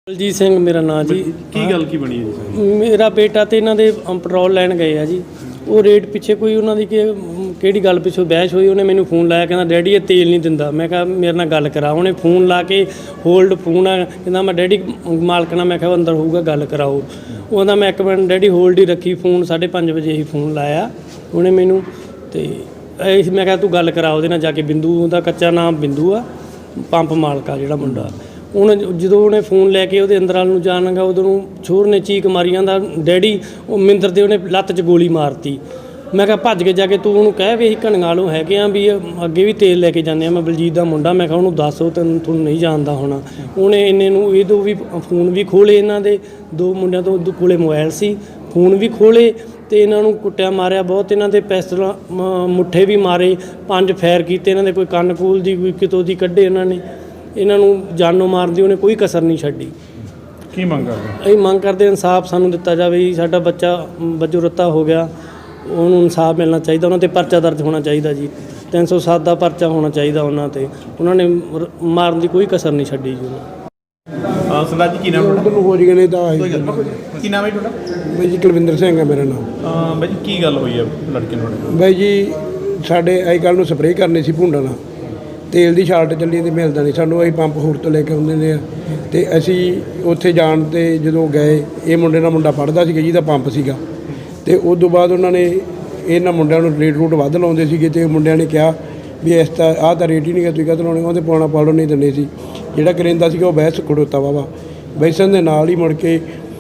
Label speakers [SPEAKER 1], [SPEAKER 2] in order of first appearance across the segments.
[SPEAKER 1] ਬਲਜੀਤ ਸਿੰਘ ਮੇਰਾ ਨਾਂ ਜੀ।
[SPEAKER 2] ਕੀ ਗੱਲ ਕੀ ਬਣੀ ਹੈ ਜੀ?
[SPEAKER 1] ਮੇਰਾ ਬੇਟਾ ਤੇ ਇਹਨਾਂ ਦੇ ਪੈਟਰੋਲ ਲੈਣ ਗਏ ਆ ਜੀ। ਉਹ ਰੇਟ ਪਿੱਛੇ ਕੋਈ ਉਹਨਾਂ ਦੀ ਕਿਹੜੀ ਗੱਲ ਪਿੱਛੋਂ ਬਹਿਸ ਹੋਈ। ਉਹਨੇ ਮੈਨੂੰ ਫੋਨ ਲਾਇਆ, ਕਹਿੰਦਾ ਡੈਡੀ ਇਹ ਤੇਲ ਨਹੀਂ ਦਿੰਦਾ। ਮੈਂ ਕਿਹਾ ਮੇਰੇ ਨਾਲ ਗੱਲ ਕਰਾ। ਉਹਨੇ ਫੋਨ ਲਾ ਕੇ ਹੋਲਡ ਫੋਨ ਆ, ਕਹਿੰਦਾ ਮੈਂ ਡੈਡੀ ਮਾਲਕ ਨਾਲ, ਮੈਂ ਕਿਹਾ ਅੰਦਰ ਹੋਊਗਾ ਗੱਲ ਕਰਾਓ। ਉਹਦਾ ਮੈਂ ਇੱਕ ਮਿੰਟ ਡੈਡੀ ਹੋਲਡ ਹੀ ਰੱਖੀ ਫੋਨ। 5:30 ਵਜੇ ਹੀ ਫੋਨ ਲਾਇਆ ਉਹਨੇ ਮੈਨੂੰ, ਤੇ ਮੈਂ ਕਿਹਾ ਤੂੰ ਗੱਲ ਕਰਾ ਉਹਦੇ ਨਾਲ ਜਾ ਕੇ। ਬਿੰਦੂ ਉਹਦਾ ਕੱਚਾ ਨਾਮ ਬਿੰਦੂ ਆ, ਪੰਪ ਮਾਲਕ ਆ ਜਿਹੜਾ ਮੁੰਡਾ। ਹੁਣ ਜਦੋਂ ਉਹਨੇ ਫੋਨ ਲੈ ਕੇ ਉਹਦੇ ਅੰਦਰ ਵੱਲ ਨੂੰ ਜਾਣ ਲੱਗਾ, ਉਦੋਂ ਨੂੰ ਛੋਰ ਨੇ ਚੀਕ ਮਾਰੀ ਜਾਂਦਾ ਡੈਡੀ। ਉਹ ਮਿੰਦਰ ਦੇ ਉਹਨੇ ਲੱਤ 'ਚ ਗੋਲੀ ਮਾਰਤੀ। ਮੈਂ ਕਿਹਾ ਭੱਜ ਕੇ ਜਾ ਕੇ ਤੂੰ ਉਹਨੂੰ ਕਹਿ ਵੀ ਅਸੀਂ ਘਣੀਆਂ ਵਾਲੋਂ ਹੈਗੇ ਆ, ਵੀ ਅੱਗੇ ਵੀ ਤੇਲ ਲੈ ਕੇ ਜਾਂਦੇ ਆ, ਮੈਂ ਬਲਜੀਤ ਦਾ ਮੁੰਡਾ। ਮੈਂ ਕਿਹਾ ਉਹਨੂੰ ਦੱਸੋ, ਤੁਹਾਨੂੰ ਨਹੀਂ ਜਾਣਦਾ ਹੋਣਾ। ਉਹਨੇ ਇੰਨੇ ਨੂੰ ਇਹਦੋਂ ਵੀ ਫੋਨ ਵੀ ਖੋਲ੍ਹੇ, ਇਹਨਾਂ ਦੇ ਦੋ ਮੁੰਡਿਆਂ ਤੋਂ ਕੋਲੇ ਮੋਬਾਈਲ ਸੀ, ਫੋਨ ਵੀ ਖੋਲ੍ਹੇ, ਅਤੇ ਇਹਨਾਂ ਨੂੰ ਕੁੱਟਿਆ ਮਾਰਿਆ ਬਹੁਤ। ਇਹਨਾਂ ਦੇ ਪਿਸਤਲਾਂ ਮੁੱਠੇ ਵੀ ਮਾਰੇ, 5 ਫਾਇਰ ਕੀਤੇ। ਇਹਨਾਂ ਦੇ ਕੋਈ ਕੰਨ ਕੂਲ ਦੀ ਕੋਈ ਕਿਤੋਂ ਦੀ ਕੱਢੇ। ਇਹਨਾਂ ਨੇ ਇਹਨਾਂ ਨੂੰ ਜਾਨੋਂ ਮਾਰਨ ਦੀ ਉਹਨੇ ਕੋਈ ਕਸਰ ਨਹੀਂ ਛੱਡੀ।
[SPEAKER 2] ਕੀ ਮੰਗ ਕਰਦੇ?
[SPEAKER 1] ਅਸੀਂ ਮੰਗ ਕਰਦੇ ਇਨਸਾਫ ਸਾਨੂੰ ਦਿੱਤਾ ਜਾਵੇ ਜੀ। ਸਾਡਾ ਬੱਚਾ ਵਜੋਂ ਰੱਤਾ ਹੋ ਗਿਆ, ਉਹਨੂੰ ਇਨਸਾਫ ਮਿਲਣਾ ਚਾਹੀਦਾ। ਉਹਨਾਂ 'ਤੇ ਪਰਚਾ ਦਰਜ ਹੋਣਾ ਚਾਹੀਦਾ ਜੀ, 307 ਦਾ ਪਰਚਾ ਹੋਣਾ ਚਾਹੀਦਾ ਉਹਨਾਂ 'ਤੇ। ਉਹਨਾਂ ਨੇ ਮਾਰਨ ਦੀ ਕੋਈ ਕਸਰ ਨਹੀਂ ਛੱਡੀ ਜੀ ਉਹਨਾਂ।
[SPEAKER 2] ਸਰਦਾਰ ਜੀ ਕੀ ਨਾਮ ਤੁਹਾਡਾ?
[SPEAKER 3] ਹੋ ਜੀ ਗਏ ਤਾਂ
[SPEAKER 2] ਕੀ ਨਾਮ ਹੈ ਤੁਹਾਡਾ?
[SPEAKER 3] ਬਾਈ ਜੀ ਕੁਲਵਿੰਦਰ ਸਿੰਘ ਹੈ ਮੇਰਾ ਨਾਮ।
[SPEAKER 2] ਬਾਈ ਜੀ ਕੀ ਗੱਲ ਹੋਈ ਹੈ ਲੜਕੇ ਨੂੰ ਤੁਹਾਡੇ?
[SPEAKER 3] ਬਾਈ ਜੀ ਸਾਡੇ ਅੱਜ ਕੱਲ੍ਹ ਨੂੰ ਸਪਰੇਅ ਕਰਨੀ ਸੀ ਭੁੰਡਾ ਨਾਲ, ਤੇਲ ਦੀ ਸ਼ਾਰਟ ਚੱਲੀ ਤੇ ਮਿਲਦਾ ਨਹੀਂ ਸਾਨੂੰ। ਅਸੀਂ ਪੰਪ ਹੋਰ ਤੋਂ ਲੈ ਕੇ ਆਉਂਦੇ ਨੇ ਆ, ਅਤੇ ਅਸੀਂ ਉੱਥੇ ਜਾਣ 'ਤੇ ਜਦੋਂ ਗਏ, ਇਹ ਮੁੰਡੇ ਨਾਲ ਮੁੰਡਾ ਪੜ੍ਹਦਾ ਸੀਗਾ ਜਿਹਦਾ ਪੰਪ ਸੀਗਾ, ਅਤੇ ਉਸ ਤੋਂ ਬਾਅਦ ਉਹਨਾਂ ਨੇ ਇਹਨਾਂ ਮੁੰਡਿਆਂ ਨੂੰ ਰੇਟ ਰੂਟ ਵੱਧ ਲਾਉਂਦੇ ਸੀਗੇ। ਅਤੇ ਮੁੰਡਿਆਂ ਨੇ ਕਿਹਾ ਵੀ ਇਸ ਤਾਂ ਆਹ ਤਾਂ ਰੇਟ ਹੀ ਨਹੀਂ ਗਾ, ਤੁਸੀਂ ਕਦੋਂ ਲਾਉਣੇ? ਉਹਦੇ ਪਾਉਣਾ ਪਾੜੋ ਨਹੀਂ ਦਿੰਦੇ ਸੀ। ਜਿਹੜਾ ਕਰਿੰਦਾ ਸੀਗਾ ਉਹ ਬਹਿਸ ਖੜੋਤਾ ਵਾ ਬੈਸਣ ਦੇ ਨਾਲ ਹੀ ਮੁੜ ਕੇ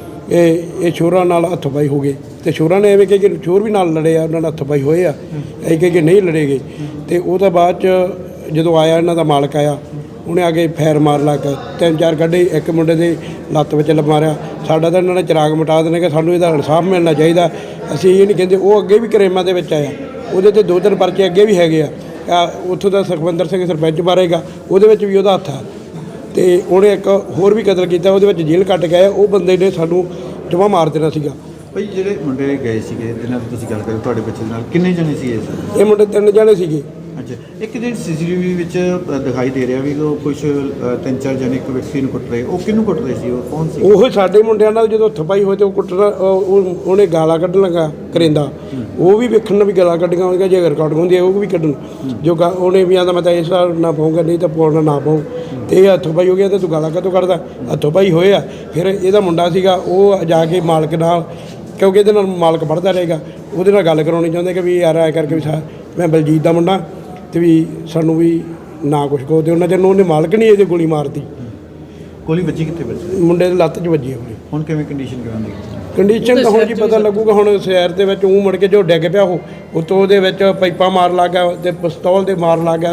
[SPEAKER 3] ਇਹ ਸ਼ੋਰਾਂ ਨਾਲ ਹੱਥ ਪਾਈ ਹੋ ਗਏ। ਅਤੇ ਸ਼ੋਰਾਂ ਨੇ ਐਵੇਂ ਕਿ ਸ਼ੋਰ ਵੀ ਨਾਲ ਲੜੇ ਆ, ਉਹਨਾਂ ਨਾਲ ਹੱਥ ਪਾਈ ਹੋਏ ਆ। ਅਸੀਂ ਕਿ ਨਹੀਂ ਲੜੇ ਗਏ। ਅਤੇ ਉਹ ਤੋਂ ਬਾਅਦ 'ਚ ਜਦੋਂ ਆਇਆ ਇਹਨਾਂ ਦਾ ਮਾਲਕ ਆਇਆ, ਉਹਨੇ ਆ ਕੇ ਫੈਰ ਮਾਰ ਲਾ ਕੇ 3-4 ਕੱਢੇ। ਇੱਕ ਮੁੰਡੇ ਦੇ ਲੱਤ ਵਿੱਚ ਮਾਰਿਆ। ਸਾਡਾ ਤਾਂ ਇਹਨਾਂ ਨੇ ਚਿਰਾਗ ਮਿਟਾ ਦੇਣੇ ਕਿ ਸਾਨੂੰ ਇਹਦਾ ਇਨਸਾਫ ਮਿਲਣਾ ਚਾਹੀਦਾ। ਅਸੀਂ ਇਹ ਨਹੀਂ ਕਹਿੰਦੇ। ਉਹ ਅੱਗੇ ਵੀ ਕਰੇਮਾਂ ਦੇ ਵਿੱਚ ਆਇਆ, ਉਹਦੇ 'ਤੇ 2-3 ਪਰਚੇ ਅੱਗੇ ਵੀ ਹੈਗੇ ਆ। ਉੱਥੋਂ ਦਾ ਸੁਖਵਿੰਦਰ ਸਿੰਘ ਸਰਪੰਚ ਮਾਰੇਗਾ, ਉਹਦੇ ਵਿੱਚ ਵੀ ਉਹਦਾ ਹੱਥ ਆ। ਅਤੇ ਉਹਨੇ ਇੱਕ ਹੋਰ ਵੀ ਕਤਲ ਕੀਤਾ, ਉਹਦੇ ਵਿੱਚ ਜੇਲ੍ਹ ਕੱਟ ਕੇ ਆਇਆ। ਉਹ ਬੰਦੇ ਨੇ ਸਾਨੂੰ ਜਮ੍ਹਾਂ ਮਾਰ ਦੇਣਾ ਸੀਗਾ।
[SPEAKER 4] ਭਾਈ ਜਿਹੜੇ ਮੁੰਡੇ ਗਏ ਸੀਗੇ ਜਿਹਨਾਂ ਦੀ ਤੁਸੀਂ ਗੱਲ ਕਰੀ ਤੁਹਾਡੇ ਬੱਚੇ ਦੇ ਨਾਲ, ਕਿੰਨੇ ਜਣੇ ਸੀ
[SPEAKER 3] ਇਹ ਮੁੰਡੇ 3 ਜਣੇ ਸੀਗੇ।
[SPEAKER 4] ਅੱਛਾ, ਇੱਕ ਜਿਹੜੀ CCTV ਵਿੱਚ ਦਿਖਾਈ ਦੇ ਰਿਹਾ ਵੀ ਉਹ ਕੁਝ 3-4 ਜਣੇ ਇੱਕ ਵਿਅਕਤੀ ਨੂੰ ਕੁੱਟ ਰਹੇ, ਉਹ ਕਿਹਨੂੰ ਕੁੱਟ ਰਹੇ ਸੀ? ਉਹ ਕੌਣ ਸੀ?
[SPEAKER 3] ਉਹ ਸਾਡੇ ਮੁੰਡਿਆਂ ਨਾਲ ਜਦੋਂ ਥਪਾਈ ਹੋਏ ਤੇ ਉਹ ਕੁੱਟਣਾ, ਉਹਨੇ ਗਾਲਾਂ ਕੱਢਣ ਲੱਗਾ ਕਰਿੰਦਾ। ਉਹ ਵੀ ਵੇਖਣ ਨੂੰ ਵੀ ਗਾਲਾਂ ਕੱਢੀਆਂ ਹੋਣਗੀਆਂ, ਜੇ ਰਿਕਾਰਡਿੰਗ ਹੁੰਦੀ ਹੈ ਉਹ ਵੀ ਕੱਢਣ। ਜੋ ਉਹਨੇ ਵੀ ਆਂਦਾ ਮੈਂ ਤਾਂ ਇਸ ਵਾਰ ਨਾ ਪਾਊਂਗਾ, ਨਹੀਂ ਤਾਂ ਪਾਉਣਾ ਨਾ ਪਾਊ। ਅਤੇ ਇਹ ਹੱਥੋਂ ਪਾਈ ਹੋ ਗਿਆ, ਅਤੇ ਤੂੰ ਗਾਲਾਂ ਕਾਹਤੋਂ ਕੱਢਦਾ? ਹੱਥੋਂ ਪਾਈ ਹੋਏ ਆ। ਫਿਰ ਇਹਦਾ ਮੁੰਡਾ ਸੀਗਾ, ਉਹ ਜਾ ਕੇ ਮਾਲਕ ਨਾਲ, ਕਿਉਂਕਿ ਇਹਦੇ ਨਾਲ ਮਾਲਕ ਪੜ੍ਹਦਾ ਰਹੇਗਾ, ਉਹਦੇ ਨਾਲ ਗੱਲ ਕਰਾਉਣੀ ਚਾਹੁੰਦੇ ਕਿ ਵੀ ਯਾਰ ਐਂ ਕਰਕੇ ਵੀ ਮੈਂ ਬਲਜੀਤ ਦਾ ਮੁੰਡਾ, ਅਤੇ ਵੀ ਸਾਨੂੰ ਵੀ ਨਾ ਕੁਛ ਕਹੋ। ਅਤੇ ਉਹਨਾਂ ਚਿਰ ਨੂੰ ਉਹਨੇ ਮਾਲਕ ਨਹੀਂ ਇਹਦੇ ਗੋਲੀ ਮਾਰਤੀ।
[SPEAKER 4] ਗੋਲੀ ਵੱਜੀ ਕਿੱਥੇ? ਵੱਜੀ
[SPEAKER 3] ਮੁੰਡੇ ਦੇ ਲੱਤ 'ਚ ਵੱਜੀ ਆ ਗੋਲੀ।
[SPEAKER 4] ਹੁਣ ਕਿਵੇਂ ਕੰਡੀਸ਼ਨ ਕਿਵੇਂ ਦੀ?
[SPEAKER 3] ਕੰਡੀਸ਼ਨ ਤਾਂ ਹੁਣ ਜੀ ਪਤਾ ਲੱਗੂਗਾ। ਹੁਣ ਸ਼ਹਿਰ ਦੇ ਵਿੱਚ ਉਹ ਮੁੜ ਕੇ ਜੋ ਡਿੱਗ ਪਿਆ, ਉਹ ਉੱਤੋਂ ਉਹਦੇ ਵਿੱਚ ਪਾਈਪਾਂ ਮਾਰ ਲੱਗ ਗਿਆ ਅਤੇ ਪਿਸਤੌਲ ਦੇ ਮਾਰ ਲੱਗ ਗਿਆ।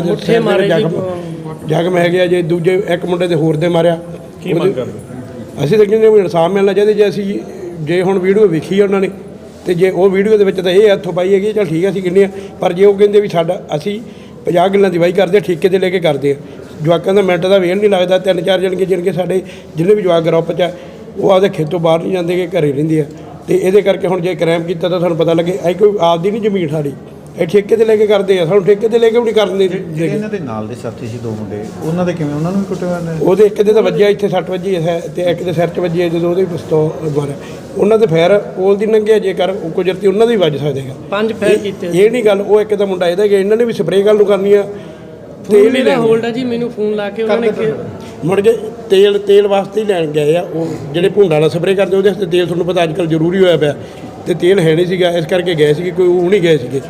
[SPEAKER 3] ਜ਼ਖਮ ਹੈਗੇ ਆ ਜੇ। ਦੂਜੇ ਇੱਕ ਮੁੰਡੇ ਦੇ ਹੋਰ ਦੇ ਮਾਰਿਆ।
[SPEAKER 2] ਕੀ ਮੰਗ ਕਰਦੇ?
[SPEAKER 3] ਅਸੀਂ ਤਾਂ ਕਹਿੰਦੇ ਵੀ ਇਨਸਾਫ ਮਿਲਣਾ ਚਾਹੀਦਾ। ਜੇ ਹੁਣ ਵੀਡੀਓ ਵੇਖੀ ਆ ਉਹਨਾਂ ਨੇ, ਅਤੇ ਜੇ ਉਹ ਵੀਡੀਓ ਦੇ ਵਿੱਚ ਤਾਂ ਇਹ ਹੱਥੋਂ ਪਾਈ ਹੈਗੀ, ਚੱਲ ਠੀਕ ਹੈ ਅਸੀਂ ਕਹਿੰਦੇ ਹਾਂ। ਪਰ ਜੇ ਉਹ ਕਹਿੰਦੇ ਵੀ ਅਸੀਂ 50 ਗੱਲਾਂ ਦੀ ਵਾਹੀ ਕਰਦੇ, ਠੇਕੇ 'ਤੇ ਲੈ ਕੇ ਕਰਦੇ ਆ। ਜਵਾਕਾਂ ਦਾ ਮਿੰਟ ਦਾ ਵੇਲ ਨਹੀਂ ਲੱਗਦਾ। 3-4 ਜਣਗੇ ਜਿਨਕੇ ਸਾਡੇ ਜਿੰਨੇ ਵੀ ਜਵਾਕ ਗਰੁੱਪ 'ਚ ਆ, ਉਹ ਆਪਦੇ ਖੇਤੋਂ ਬਾਹਰ ਨਹੀਂ ਜਾਂਦੇ, ਕਿ ਘਰੇ ਰਹਿੰਦੇ ਆ। ਅਤੇ ਇਹਦੇ ਕਰਕੇ ਹੁਣ ਜੇ ਕ੍ਰਾਈਮ ਕੀਤਾ ਤਾਂ ਸਾਨੂੰ ਪਤਾ ਲੱਗੇ ਅਸੀਂ ਕੋਈ ਆਪਦੀ ਨਹੀਂ ਜ਼ਮੀਨ ਸਾਡੀ, ਇਹ ਠੇਕੇ 'ਤੇ ਲੈ ਕੇ ਕਰਦੇ ਆ। ਸਾਨੂੰ ਠੇਕੇ 'ਤੇ ਲੈ ਕੇ ਵੀ ਨਹੀਂ ਕਰਨ ਦੇ।
[SPEAKER 4] ਇਹਨਾਂ ਦੇ ਨਾਲ ਦੇ ਸਾਥੀ ਸੀ 2 ਮੁੰਡੇ, ਉਹਨਾਂ ਦੇ ਕਿਵੇਂ? ਉਹਨਾਂ ਨੂੰ ਵੀ ਕੁੱਟਿਆ?
[SPEAKER 3] ਉਹਦੇ ਇੱਕ ਦੇ ਤਾਂ ਵੱਜਿਆ, ਇੱਥੇ 60 ਵੱਜੀ ਹੈ, ਅਤੇ ਇੱਕ ਦੇ ਸਿਰ 'ਚ ਵੱਜੀ ਹੈ। ਜਦੋਂ ਉਹਦੇ ਪਿਸਤੌਲ ਮਾਰਿਆ, ਉਹਨਾਂ ਦੇ ਫੈਰ ਕੋਲ ਦੀ ਲੰਘਿਆ, ਜੇਕਰ ਉਹ ਕੁਦਰਤੀ ਉਹਨਾਂ ਦੇ ਵੀ ਵੱਜ ਸਕਦੇਗਾ।
[SPEAKER 1] 5 ਫਾਇਰ ਕੀਤੇ।
[SPEAKER 3] ਇਹ ਨਹੀਂ ਗੱਲ। ਉਹ ਇੱਕ ਤਾਂ ਮੁੰਡਾ ਇਹਦਾ ਗਿਆ, ਇਹਨਾਂ ਨੇ ਵੀ ਸਪਰੇਅ ਗੱਲ ਨੂੰ ਕਰਨੀ ਆ।
[SPEAKER 1] ਤੇਲ ਹੀ ਹੋਲਡ ਆ ਜੀ। ਮੈਨੂੰ ਫੋਨ ਲਾ ਕੇ ਉਹਨਾਂ ਨੇ
[SPEAKER 3] ਮੁੜ ਕੇ ਤੇਲ ਵਾਸਤੇ ਹੀ ਲੈਣ ਗਏ ਆ। ਉਹ ਜਿਹੜੇ ਭੁੰਡਾ ਨਾਲ ਸਪਰੇਅ ਕਰਦੇ ਉਹਦੇ ਵਾਸਤੇ ਤੇਲ, ਤੁਹਾਨੂੰ ਪਤਾ ਅੱਜ ਕੱਲ੍ਹ ਜ਼ਰੂਰੀ ਹੋਇਆ ਪਿਆ, ਅਤੇ ਤੇਲ ਹੈ ਨਹੀਂ ਸੀਗਾ, ਇਸ ਕਰਕੇ ਗਏ ਸੀਗੇ। ਕੋਈ ਉਹ ਨਹੀਂ ਗਏ ਸੀਗੇ।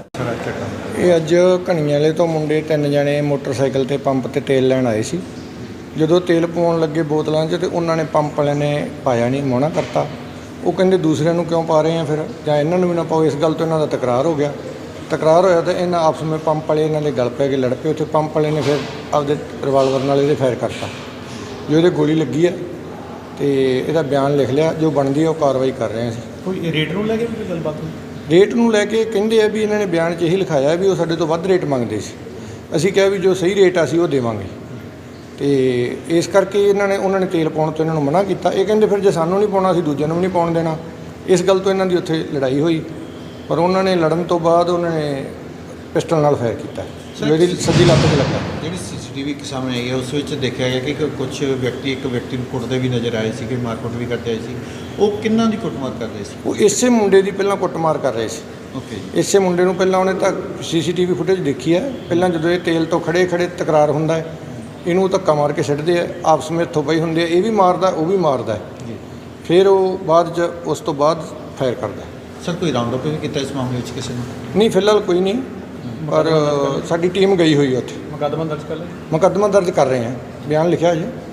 [SPEAKER 5] ਇਹ ਅੱਜ ਘਣੀਆਂ ਵਾਲੇ ਤੋਂ ਮੁੰਡੇ 3 ਜਣੇ ਮੋਟਰਸਾਈਕਲ 'ਤੇ ਪੰਪ 'ਤੇ ਤੇਲ ਲੈਣ ਆਏ ਸੀ। ਜਦੋਂ ਤੇਲ ਪਾਉਣ ਲੱਗੇ ਬੋਤਲਾਂ 'ਚ, ਅਤੇ ਉਹਨਾਂ ਨੇ ਪੰਪ ਵਾਲਿਆਂ ਨੇ ਪਾਇਆ ਨਹੀਂ, ਮੋਹਣਾ ਕਰਤਾ। ਉਹ ਕਹਿੰਦੇ ਦੂਸਰਿਆਂ ਨੂੰ ਕਿਉਂ ਪਾ ਰਹੇ ਆ, ਫਿਰ ਜਾਂ ਇਹਨਾਂ ਨੂੰ ਵੀ ਨਾ ਪਾਓ। ਇਸ ਗੱਲ ਤੋਂ ਇਹਨਾਂ ਦਾ ਤਕਰਾਰ ਹੋ ਗਿਆ। ਤਕਰਾਰ ਹੋਇਆ ਤਾਂ ਇਹਨਾਂ ਆਪਸ ਵਿੱਚ ਪੰਪ ਵਾਲੇ ਇਹਨਾਂ ਦੇ ਗਲ ਪੈ ਕੇ ਲੜ ਪਏ। ਉੱਥੇ ਪੰਪ ਵਾਲੇ ਨੇ ਫਿਰ ਆਪਦੇ ਰਿਵਾਲਵਰ ਨਾਲ ਇਹਦੇ ਫਾਇਰ ਕਰਤਾ। ਜੋ ਇਹਦੇ ਗੋਲੀ ਲੱਗੀ ਹੈ, ਅਤੇ ਇਹਦਾ ਬਿਆਨ ਲਿਖ ਲਿਆ। ਜੋ ਬਣਦੀ ਹੈ ਉਹ ਕਾਰਵਾਈ ਕਰ ਰਹੇ ਹਾਂ ਅਸੀਂ।
[SPEAKER 2] ਕੋਈ ਰੇਟ ਨੂੰ ਲੈ ਕੇ ਵੀ ਗੱਲਬਾਤ ਹੋਈ?
[SPEAKER 5] ਰੇਟ ਨੂੰ ਲੈ ਕੇ ਕਹਿੰਦੇ ਆ ਵੀ ਇਹਨਾਂ ਨੇ ਬਿਆਨ 'ਚ ਇਹੀ ਲਿਖਾਇਆ ਵੀ ਉਹ ਸਾਡੇ ਤੋਂ ਵੱਧ ਰੇਟ ਮੰਗਦੇ ਸੀ। ਅਸੀਂ ਕਿਹਾ ਵੀ ਜੋ ਸਹੀ ਰੇਟ ਆ ਅਸੀਂ ਉਹ ਦੇਵਾਂਗੇ, ਅਤੇ ਇਸ ਕਰਕੇ ਉਹਨਾਂ ਨੇ ਤੇਲ ਪਾਉਣ ਤੋਂ ਇਹਨਾਂ ਨੂੰ ਮਨਾ ਕੀਤਾ। ਇਹ ਕਹਿੰਦੇ ਫਿਰ ਜੇ ਸਾਨੂੰ ਨਹੀਂ ਪਾਉਣਾ ਅਸੀਂ ਦੂਜਿਆਂ ਨੂੰ ਵੀ ਨਹੀਂ ਪਾਉਣ ਦੇਣਾ। ਇਸ ਗੱਲ ਤੋਂ ਇਹਨਾਂ ਦੀ ਉੱਥੇ ਲੜਾਈ ਹੋਈ, ਪਰ ਉਹਨਾਂ ਨੇ ਲੜਨ ਤੋਂ ਬਾਅਦ ਉਹਨਾਂ ਨੇ ਪਿਸਟਲ ਨਾਲ ਫਾਇਰ ਕੀਤਾ। ਮੇਰੀ ਸੱਜੀ ਲੱਤ 'ਤੇ ਲੱਗਾ।
[SPEAKER 4] ਜਿਹੜੀ ਸੀਸੀਟੀਵੀ ਸਾਹਮਣੇ ਆਈ ਹੈ ਉਸ ਵਿੱਚ ਦੇਖਿਆ ਗਿਆ ਕਿ ਕੁਝ ਵਿਅਕਤੀ ਇੱਕ ਵਿਅਕਤੀ ਨੂੰ ਕੁੱਟਦੇ ਵੀ ਨਜ਼ਰ ਆਏ ਸੀ, ਕਿ ਮਾਰਕੁੱਟ ਵੀ ਕਰਦੇ ਆਏ ਸੀ। ਉਹ ਕਿੰਨਾਂ ਦੀ ਕੁੱਟਮਾਰ ਕਰ ਰਹੇ ਸੀ?
[SPEAKER 5] ਉਹ ਇਸੇ ਮੁੰਡੇ ਦੀ ਪਹਿਲਾਂ ਕੁੱਟਮਾਰ ਕਰ ਰਹੇ ਸੀ।
[SPEAKER 4] ਓਕੇ।
[SPEAKER 5] ਇਸੇ ਮੁੰਡੇ ਨੂੰ ਪਹਿਲਾਂ ਉਹਨੇ ਤਾਂ ਸੀਸੀਟੀਵੀ ਫੁਟੇਜ ਦੇਖੀ ਹੈ। ਪਹਿਲਾਂ ਜਦੋਂ ਇਹ ਤੇਲ ਤੋਂ ਖੜੇ ਤਕਰਾਰ ਹੁੰਦਾ ਹੈ, ਇਹਨੂੰ ਧੱਕਾ ਮਾਰ ਕੇ ਛੱਡਦੇ ਆ, ਆਪਸ ਵਿੱਚ ਹੱਥੋਂ ਪਾਈ ਹੁੰਦੇ ਆ, ਇਹ ਵੀ ਮਾਰਦਾ ਉਹ ਵੀ ਮਾਰਦਾ। ਫਿਰ ਉਹ ਬਾਅਦ 'ਚ ਉਸ ਤੋਂ ਬਾਅਦ ਫਾਇਰ ਕਰਦਾ।
[SPEAKER 4] ਸਰ ਕੋਈ ਰਾਉਂਡ ਅਪ ਵੀ ਕੀਤਾ ਇਸ ਮਾਮਲੇ ਵਿੱਚ ਕਿਸੇ ਨੇ?
[SPEAKER 5] ਨਹੀਂ, ਫਿਲਹਾਲ ਕੋਈ ਨਹੀਂ, ਪਰ ਸਾਡੀ ਟੀਮ ਗਈ ਹੋਈ ਹੈ ਉੱਥੇ।
[SPEAKER 2] ਮੁਕੱਦਮਾ ਦਰਜ ਕਰ ਲਿਆ?
[SPEAKER 5] ਮੁਕੱਦਮਾ ਦਰਜ ਕਰ ਰਹੇ ਹਾਂ, ਬਿਆਨ ਲਿਖਿਆ ਜੀ।